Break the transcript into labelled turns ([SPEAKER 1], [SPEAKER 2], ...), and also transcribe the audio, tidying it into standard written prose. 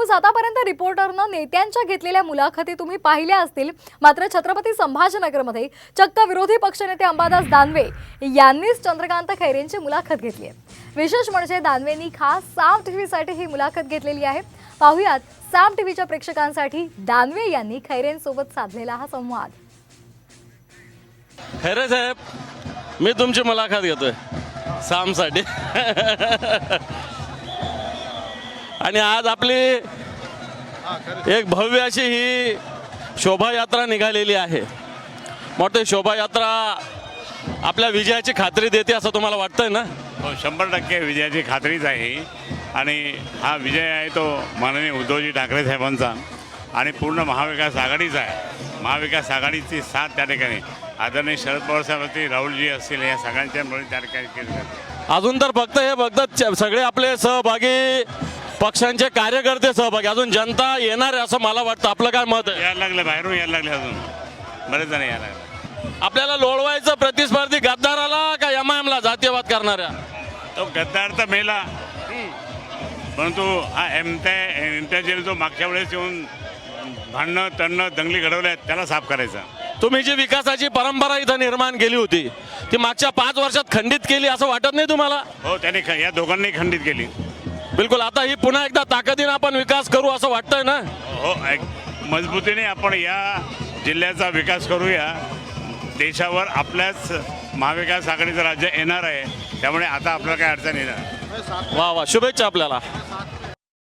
[SPEAKER 1] News आतापर्यंत रिपोर्टरनं नेत्यांच्या घेतलेल्या मुलाखती तुम्ही पाहिल्या असतील, मात्र छत्रपती संभाजीनगरमध्ये चक्क विरोधी पक्षनेते अंबादास दानवे यांनीच चंद्रकांत खैरेंची मुलाखत घेतली आहे। विशेष म्हणजे दानवेंनी खास साम टीव्हीसाठी ही मुलाखत घेतलेली आहे। पाहुयात साम टीव्हीच्या प्रेक्षकांसाठी दानवे यांनी खैरेंसोबत साधलेला हा संवाद।
[SPEAKER 2] खैरे साहेब, मी तुमची मुलाखत घेतोय सामसाठी आणि आज आपली एक भव्य अशी ही शोभायात्रा निघालेली आहे। मोठी शोभायात्रा आपल्या विजयाची खात्री देते असं तुम्हाला वाटतंय ना?
[SPEAKER 3] हो, 100% विजयाची खात्रीच आहे आणि हा विजय आहे तो माननीय उद्धवजी ठाकरे साहेबांचा आणि पूर्ण महाविकास आघाडीचा आहे। महाविकास आघाडीची साथ त्या ठिकाणी आदरणीय शरद पवार साहेब असतील, राहुलजी असतील, या सगळ्यांच्या मिळून त्या ठिकाणी केली जाते।
[SPEAKER 2] अजून तर फक्त हे बघतात सगळे आपले सहभागी पक्षांचे कार्यकर्ते सहभागी, अजून जनता येणार आहे असं मला वाटतं। आपलं काय मत आहे?
[SPEAKER 3] यायला लागले, बाहेरून यायला लागले, अजून बरेच जण यायला लागले।
[SPEAKER 2] आपल्याला लोळवायचं प्रतिस्पर्धी गद्दाराला का एमआयएमला जातीयवाद करणाऱ्या?
[SPEAKER 3] तो गद्दार तर मेला, परंतु हा एमत्या जो मागच्या वेळेस येऊन भांडणं तणणं दंगली घडवल्या त्याला साफ करायचा।
[SPEAKER 2] तुम्ही जी विकासाची परंपरा इथं निर्माण केली होती ती मागच्या 5 वर्षात खंडित केली असं वाटत नाही तुम्हाला?
[SPEAKER 3] हो, त्याने या दोघांनी खंडित केली।
[SPEAKER 2] बिलकुल। आता ही पुन्हा एकदा ताकदीने आपण विकास करू असं वाटतंय ना?
[SPEAKER 3] हो, मजबूतीने आपण या जिल्ह्याचा विकास करूया। देशावर आपल्याच महाविकास आघाडीचं राज्य येणार आहे, त्यामुळे आता आपल्याला काय अडचण येणार।
[SPEAKER 2] वा वा, शुभेच्छा आपल्याला।